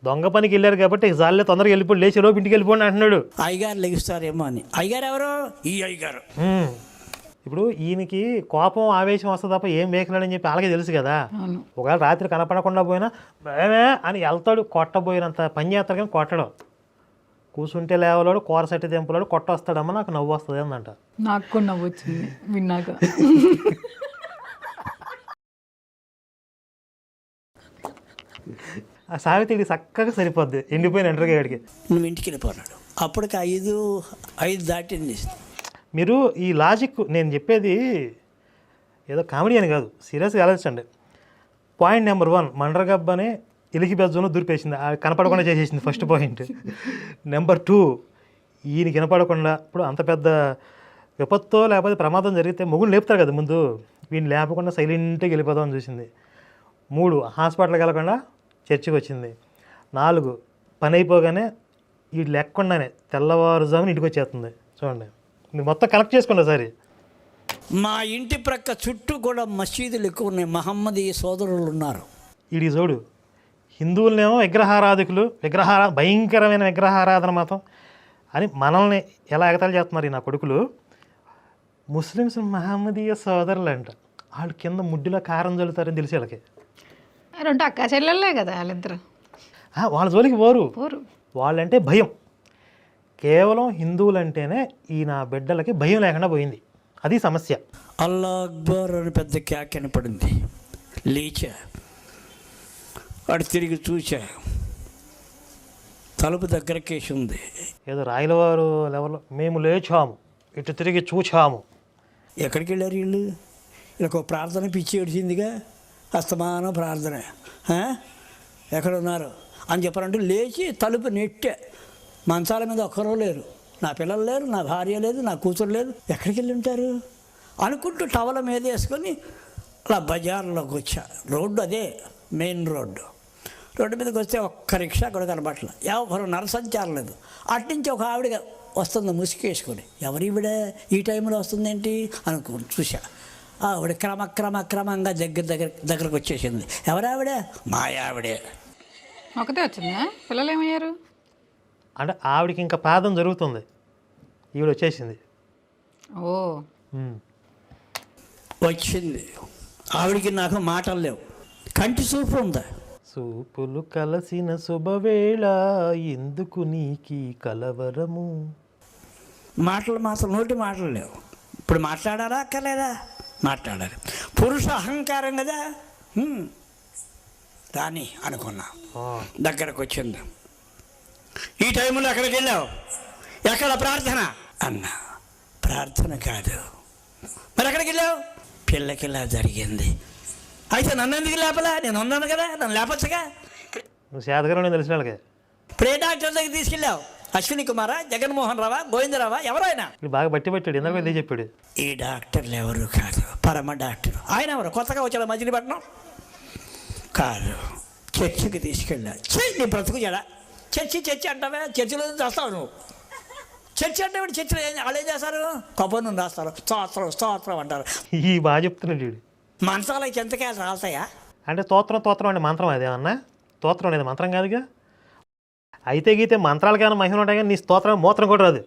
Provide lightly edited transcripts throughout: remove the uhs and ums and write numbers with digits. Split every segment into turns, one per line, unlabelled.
దొంగ పనికి వెళ్ళారు కాబట్టి జాలే తొందరగా వెళ్ళిపోయి లేచి లోపు ఇంటికి వెళ్ళిపోండి అంటున్నాడు.
అయ్యగారు లెగిస్తారేమో అని. అయ్యగారు ఎవరు? ఈ అయ్యగారు.
ఇప్పుడు ఈయనకి కోపం ఆవేశం వస్తుంది తప్ప ఏం వేయలేడని చెప్పి అలాగే తెలుసు కదా. ఒకవేళ రాత్రి కనపడకుండా పోయినా భయమే అని వెళ్తాడు, కొట్టబోయినంత పని చేస్తాడు కానీ కొట్టడం. కూర్చుంటే లేవలాడు, కూరసట్టి దింపలాడు, కొట్టొస్తాడమ్మా నాకు నవ్వు వస్తుంది అందంట.
నాకు కూడా నవ్వు వచ్చింది విన్నాక.
ఆ సావిత్రికి చక్కగా సరిపోద్ది ఎండిపోయిన ఎండ్రగాడికి.
నువ్వు ఇంటికి వెళ్ళిపోన్నాడు. అప్పటికి 5 దాటింది.
మీరు ఈ లాజిక్ నేను చెప్పేది ఏదో కామెడీ అని కాదు, సీరియస్గా ఆలోచించండి. పాయింట్ నెంబర్ 1, మండ్రగబ్బనే ఎలికి బెజ్జంలో దూరిపేసింది, కనపడకుండా చేసేసింది ఫస్ట్ పాయింట్. నెంబర్ 2, ఈయన కనపడకుండా ఇప్పుడు అంత పెద్ద విపత్తో లేకపోతే ప్రమాదం జరిగితే మొగుడు లేపుతారు కదా ముందు, వీడిని లేపకుండా సైలెంట్గా వెళ్ళిపోదామని చూసింది. 3, హాస్పిటల్కి వెళ్ళకుండా చర్చికి వచ్చింది. 4, పని అయిపోగానే వీడు లేకుండానే తెల్లవారుజామున ఇంటికి వచ్చేస్తుంది. చూడండి, మీరు మొత్తం కనెక్ట్ చేసుకోండి ఒకసారి.
మా ఇంటి ప్రక్క చుట్టూ కూడా మసీదులు ఎక్కువ ఉన్నాయి, మహమ్మదీయ సోదరులు ఉన్నారు.
వీడి చూడు, హిందువులనేమో విగ్రహారాధికులు, భయంకరమైన విగ్రహారాధన మతం అని మనల్ని ఎలా ఎగతాళి చేస్తున్నారు ఈ నా కొడుకులు. ముస్లిమ్స్ మహమ్మదీయ సోదరులు అంట, వాళ్ళు కింద ముడ్డులో కారం చల్లుతారని తెలిసి వాళ్ళకి.
2 అక్క చెల్లెళ్ళే కదా వాళ్ళిద్దరు.
వాళ్ళ జోలికి పోరు, వాళ్ళంటే భయం. కేవలం హిందువులంటేనే ఈ నా బిడ్డలకి భయం లేకుండా పోయింది, అది సమస్య.
అల్లా అక్బర్ అని పెద్ద క్యాక్ కనపడింది. లేచా, వాడు తిరిగి చూచా, తలుపు దగ్గరకేసి ఉంది.
ఏదో రాయలవారు లెవెల్లో మేము లేచాము, ఇటు తిరిగి చూచాము.
ఎక్కడికి వెళ్ళారు వీళ్ళు? వీళ్ళకు ప్రార్థన పిచ్చి ఏడిచిందిగా, అస్తమానం ప్రార్థన. ఎక్కడ ఉన్నారు అని చెప్పారంటే లేచి తలుపు నెట్టే. మంచాల మీద ఒక్కరూ లేరు, నా పిల్లలు లేరు, నా భార్య లేదు, నా కూతురు లేదు. ఎక్కడికి వెళ్ళి ఉంటారు అనుకుంటూ టవల మీద వేసుకొని అలా బజార్లోకి వచ్చా. రోడ్డు అదే మెయిన్ రోడ్డు మీదకి వస్తే ఒక్క రిక్షా కూడా కనబట్ల, ఎవరు నరసంచారం లేదు. అట్నుంచి ఒక ఆవిడ వస్తుంది ముసుకేసుకొని. ఎవరివిడ ఈ టైంలో వస్తుందేంటి అనుకో చూసా. ఆవిడ క్రమంగా దగ్గరకు వచ్చేసింది. ఎవరావిడ? మా ఆవిడే.
ఒకటే వచ్చిందా? పిల్లలు ఏమయ్యారు?
అంటే ఆవిడకి ఇంకా ప్రార్థన జరుగుతుంది, ఈవిడ వచ్చేసింది.
ఓ
వచ్చింది. ఆవిడికి నాకు మాటలు లేవు, కంటి చూపు ఉందా.
సూపులు కలసిన శుభవేళ ఎందుకు నీకి కలవరము.
మాటలు నోటి మాటలు లేవు. ఇప్పుడు మాట్లాడారా అక్కర్లేదా? మాట్లాడాలి. పురుష అహంకారం కదా. రాని అనుకున్నా, దగ్గరకు వచ్చింది. ఈ టైంలో ఎక్కడికి వెళ్ళావు? ఎక్కడ ప్రార్థన అన్నా. ప్రార్థన కాదు. మరి ఎక్కడికి వెళ్ళావు? పిల్లకి ఇలా జరిగింది. అయితే నన్ను ఎందుకు లేపలా? నేను ఉన్నాను కదా, నన్ను లేపచ్చుగా.
నువ్వు శాతగారు తెలిసిన వాళ్ళకి.
ఇప్పుడు ఏ డాక్టర్ దగ్గర తీసుకెళ్ళావు? అశ్విని కుమారా, జగన్మోహన్ రావా, గోవిందరావా, ఎవరైనా?
బాగా బట్టి పెట్టాడు, ఎందుకు వెళ్ళి చెప్పాడు.
ఈ డాక్టర్లు ఎవరు కాదు, పరమ డాక్టర్. ఆయన ఎవరు? కొత్తగా వచ్చాడు మజిలీపట్నం కాదు. చర్చికి తీసుకెళ్ళా. నీ బ్రతుకు జడ. చర్చి అంటావా? చర్చిలో చేస్తావు నువ్వు. చర్చి అంటే చర్చిలో వాళ్ళు ఏం చేస్తారు? కొబ్బరి రాస్తారు, స్తోత్రం అంటారు.
ఈ బాగా చెప్తున్నాడు వీడు.
మంత్రాలకి చెంతకాయలు రాస్తాయా?
అంటే తోత్రం అంటే మంత్రం అదేమన్నా? తోత్రం అనేది మంత్రం కాదుగా. అయితే గీతే మంత్రాలకైనా మహిమ ఉంటాయి కానీ నీ స్తోత్రం మూత్రం కూడా రాదు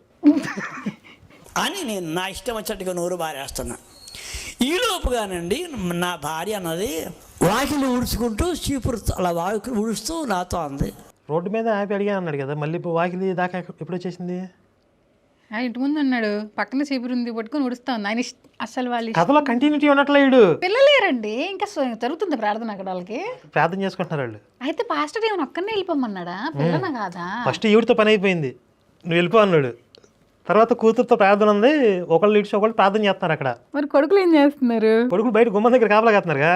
అని నేను నా ఇష్టం వచ్చినట్టుగా నోరు బారేస్తున్నా. ఈలోపుగానండి నా భార్య అన్నది వాకిలు ఊడ్చుకుంటూ చీపురు అలా వాకిలు ఊడుస్తూ నాతో అంది.
రోడ్డు మీద ఆపి అడిగా అన్నాడు కదా, మళ్ళీ ఇప్పుడు వాకిలి దాకా ఎప్పుడు వచ్చేసింది?
ఇంటి ముందు అన్నాడు, పక్కన చీపురు ఉంది పట్టుకొని ఉడుస్తా ఉంది. ఆయన అసలు వాళ్ళు
కథలో కంటిన్యూటీ ఉన్నట్లేడు.
పిల్లలేరండి, ఇంకా జరుగుతుంది ప్రార్థన అక్కడ. వాళ్ళకి ప్రార్థన
చేసుకుంటున్నారు వాళ్ళు.
అయితే పాస్టర్ ఏమైనా ఒక్కనే వెళ్ళిపోమన్నాడా? పిల్లన కాదా?
ఫస్ట్ ఈవిడితో పని అయిపోయింది, నువ్వు వెళ్ళిపో అన్నాడు. తర్వాత కూతురుతో ప్రార్థన ఉంది, ఒకళ్ళు ఇడిచి ఒకళ్ళు ప్రార్థన చేస్తున్నారు అక్కడ.
మరి కొడుకులు ఏం చేస్తున్నారు?
కొడుకులు బయట గుమ్మం దగ్గర కాపలా కాస్తున్నారుగా.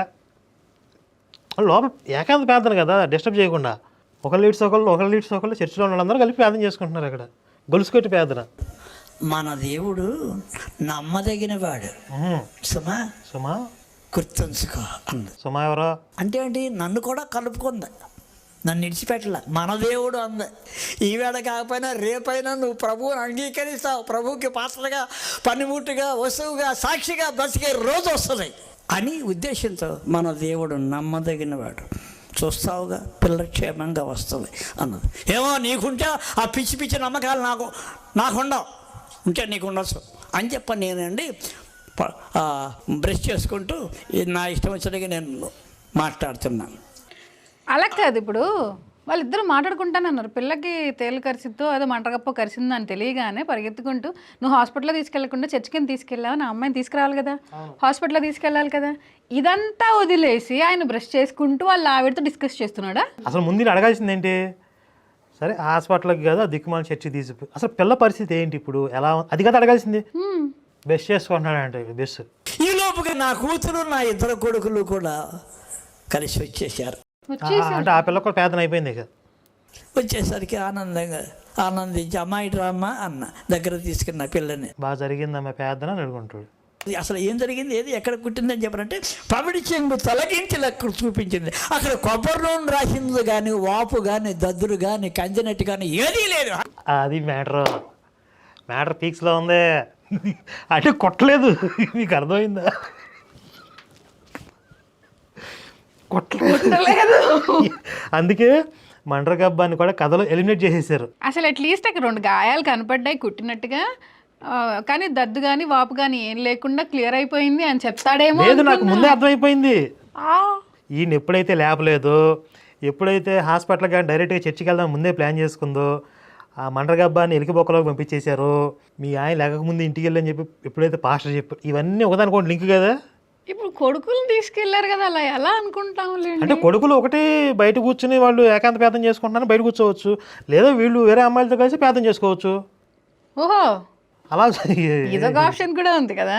లోపల ఏకాంత ప్రార్థన కదా, డిస్టర్బ్ చేయకుండా. ఒకళ్ళు ఇడిచి ఒకళ్ళు చర్చిలో ఉన్న వాళ్ళందరూ కలిపి ప్రార్థన చేసుకుంటున్నారు అక్కడ, గొలుసుకొట్టి ప్రార్థన.
మన దేవుడు నమ్మదగిన వాడు. సుమా గుర్తుంచుకో అంది.
సుమా ఎవరో
అంటే ఏంటి? నన్ను కూడా కలుపుకుంది, నన్ను ఇడిచిపెట్టలే. మన దేవుడు అంది. ఈవేళ కాకపోయినా రేపైనా నువ్వు ప్రభువుని అంగీకరిస్తావు, ప్రభువుకి పాత్రగా, పనిముట్టుగా, వస్తువుగా, సాక్షిగా బ్రతికే రోజు వస్తుంది అని ఉద్దేశంతో మన దేవుడు నమ్మదగిన వాడు. చూస్తావుగా పిల్ల క్షేమంగా వస్తుంది అన్నది. ఏమో నీకుంటే ఆ పిచ్చి పిచ్చి నమ్మకాలు నాకుండవు, ఉంటే నీకు ఉండొచ్చు అని చెప్పని నేనండి బ్రష్ చేసుకుంటూ నా ఇష్టం వచ్చినట్టుగా నేను మాట్లాడుతున్నాను.
అలా కాదు, ఇప్పుడు వాళ్ళిద్దరూ మాట్లాడుకుంటానన్నారు. పిల్లకి తేలు కరిసిద్దో అదో మంటగప్పో కరిసిందని తెలియగానే పరిగెత్తుకుంటూ నువ్వు హాస్పిటల్లో తీసుకెళ్లకుండా చర్చికి తీసుకెళ్ళావు, నా అమ్మాయిని తీసుకురావాలి కదా, హాస్పిటల్లో తీసుకెళ్ళాలి కదా. ఇదంతా వదిలేసి ఆయన బ్రష్ చేసుకుంటూ వాళ్ళ ఆవిడతో డిస్కస్ చేస్తున్నాడా?
అసలు ముందు అడగాల్సింది ఏంటి? సరే హాస్పిటల్కి కదా దిక్కుమాల చర్చి తీసిపోయి అసలు పిల్ల పరిస్థితి ఏంటి ఇప్పుడు, ఎలా అది కదా అడగాల్సింది. బెస్ట్ చేసుకుంటున్నాడంటే బెస్ట్.
ఈ లోపుగా నా కూతురు నా ఇద్దరు కొడుకులు కూడా కలిసి వచ్చేసారు.
అంటే ఆ పిల్ల కూడా పేదన అయిపోయింది ఇక.
వచ్చేసరికి ఆనందించి అమ్మాయి రామ్మా అన్న దగ్గర తీసుకున్న పిల్లని.
బాగా జరిగిందమ్మా పేదన అని అడుగుంటాడు.
అసలు ఏం జరిగింది, ఏది ఎక్కడ కుట్టిందని చెప్పారంటే పమిడి చెంగు తొలగించి అక్కడ చూపించింది. అక్కడ కొబ్బరి నూనె రాసింది కానీ వాపు కానీ దద్దురు కానీ కంజనట్టు కానీ ఏదీ లేదు.
అది మ్యాటర్ పీక్స్లో ఉంది. అంటే కొట్టలేదు, మీకు అర్థమైందా? కొట్టలేదు. అందుకే మండ్రగబ్బాని కూడా కథలో ఎలిమినేట్ చేసేసారు.
అసలు అట్లీస్ట్ అక్కడ 2 గాయాలు కనపడ్డాయి కుట్టినట్టుగా, కానీ దద్దు కానీ వాపు కానీ ఏం లేకుండా క్లియర్ అయిపోయింది అని చెప్తాడేమో.
లేదు, నాకు ముందే అర్థమైపోయింది. ఈయన ఎప్పుడైతే లేపలేదో, ఎప్పుడైతే హాస్పిటల్ కానీ డైరెక్ట్గా చర్చికి వెళ్దాం ముందే ప్లాన్ చేసుకుందో, ఆ మండ్రగబ్బాని ఎలికిబొక్కలోకి పంపించేశారు. మీ ఆయన లేకముందు ఇంటికి వెళ్ళని చెప్పి ఎప్పుడైతే పాస్టర్ చెప్పారు, ఇవన్నీ ఒకదానికోటి లింక్ కదా.
ఇప్పుడు కొడుకులను తీసుకెళ్లారు కదా, అలా ఎలా అనుకుంటాంలే.
అంటే కొడుకులు ఒకటి బయట కూర్చుని వాళ్ళు ఏకాంత పేదం చేసుకుంటున్నారు, బయట కూర్చోవచ్చు, లేదా వీళ్ళు వేరే అమ్మాయిలతో కలిసి పేదం చేసుకోవచ్చు.
ఓహో,
అలా
ఇదొక ఆప్షన్ కూడా ఉంది కదా.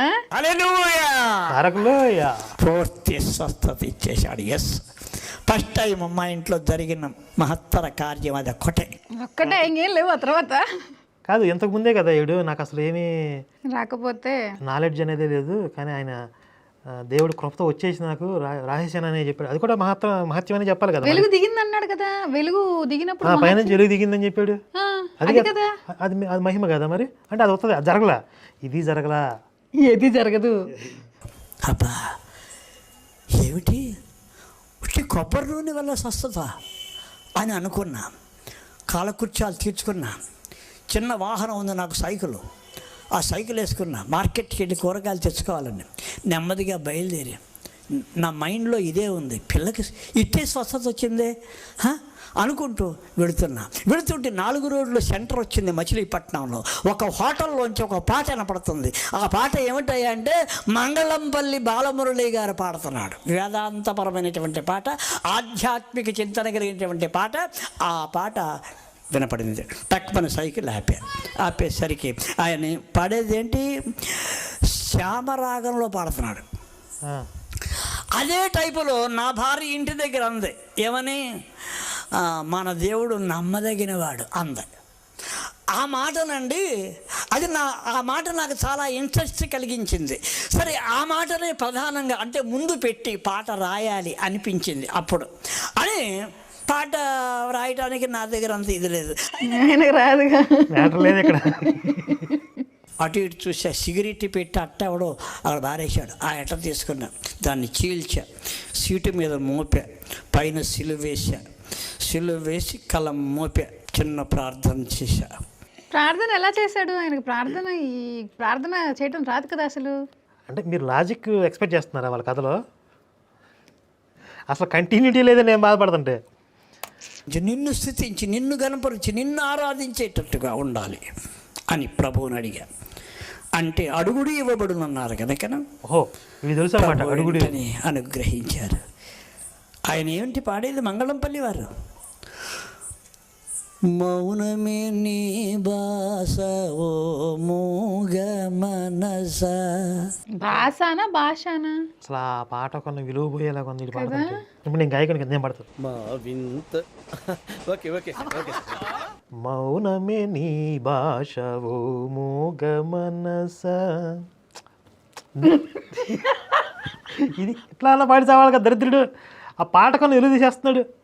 పూర్తి స్వస్థత ఇచ్చేశాడు. ఎస్, ఫస్ట్ టైం మా ఇంట్లో జరిగిన మహత్తర కార్యం అది
ఒక్కటే, ఇంకేం లేవు ఆ తర్వాత.
కాదు, ఇంతకు ముందే కదా ఏడు, నాకు అసలు ఏమీ
రాకపోతే
నాలెడ్జ్ అనేది లేదు, కానీ ఆయన దేవుడు కృపతో వచ్చేసి నాకు రాసేసాను అని చెప్పాడు. అది కూడా మహత్యం అని చెప్పాలి కదా.
వెలుగు దిగింది అన్నాడు కదా, వెలుగు దిగినప్పుడు
పైన వెలుగు దిగిందని చెప్పాడు.
అది కదా,
అది మహిమ కదా. మరి అంటే అది వస్తుంది, అది జరగలా, ఇది జరగలా,
ఏది జరగదు.
అబ్బా ఏమిటి కొబ్బరి నూనె వల్ల స్వస్థత అని అనుకున్నా. కాలకృత్యాలు తీర్చుకున్నా. చిన్న వాహనం ఉంది నాకు, సైకిల్. ఆ సైకిల్ వేసుకున్నా, మార్కెట్కి వెళ్ళి కూరగాయలు తెచ్చుకోవాలని నెమ్మదిగా బయలుదేరి నా మైండ్లో ఇదే ఉంది, పిల్లకి ఇట్టే స్వస్థత వచ్చిందే అనుకుంటూ వెళుతుంటే 4 రోడ్లు సెంటర్ వచ్చింది మచిలీపట్నంలో. ఒక హోటల్లోంచి ఒక పాట వినపడుతుంది. ఆ పాట ఏమిటయ్యా అంటే మంగళంపల్లి బాలమురళి గారు పాడుతున్నాడు. వేదాంతపరమైనటువంటి పాట, ఆధ్యాత్మిక చింతన కలిగినటువంటి పాట. ఆ పాట వినపడింది. టక్మని సైకిల్ ఆపేసరికి ఆయన పాడేది ఏంటి, శ్యామరాగంలో పాడుతున్నాడు. అదే టైపులో నా భార్య ఇంటి దగ్గర అంది, ఏమని, మన దేవుడు నమ్మదగినవాడు అంది. ఆ మాటనండి, ఆ మాట నాకు చాలా ఇంట్రెస్ట్ కలిగించింది. సరే, ఆ మాటనే ప్రధానంగా అంటే ముందు పెట్టి పాట రాయాలి అనిపించింది అప్పుడు. అని పాట రాయడానికి నా దగ్గర అంత ఇది లేదు,
రాదుగా,
అటు ఇటు చూసా. సిగరెట్ పెట్టి అట్ట ఎవడో అక్కడ బారేశాడు. ఆ ఎట్ట తీసుకున్నా, దాన్ని చీల్చా, సీటు మీద మోపా, పైన సిలువ వేసి కలం మోపా, చిన్న ప్రార్థన చేశా.
ప్రార్థన ఎలా చేశాడు? ఆయనకు ప్రార్థన చేయడం రాదు కదా అసలు.
అంటే మీరు లాజిక్ ఎక్స్పెక్ట్ చేస్తున్నారా వాళ్ళ కథలో? అసలు కంటిన్యూటీ లేదని నేను బాధపడుతుంటే,
నిన్ను స్తుతించి, నిన్ను గణపరిచి, నిన్ను ఆరాధించేటట్టుగా ఉండాలి అని ప్రభువుని అడిగా. అంటే అడుగుడు ఇవ్వబడునన్నారు కనుక
ఓహో, ఇది తెలుసు అన్నమాట, అడుగుడు
అని అనుగ్రహించారు. ఆయన ఏమిటి పాడేది, మంగళంపల్లి వారు. మౌనమే నీ భాష ఓ మూగ మనస.
భాషనా భాషనా?
అసలు ఆ పాట కొన్న విలువ పోయేలాగా ఉంది. ఇప్పుడు నేను గాయకుని కింద పడుతుంది. మౌనమే నీ భాష ఓ మూగ మనస. ఇది ఇట్లా అలా పాడి చావాలి కదా దరిద్రుడు. ఆ పాట కొన్న విలువ తీసేస్తున్నాడు.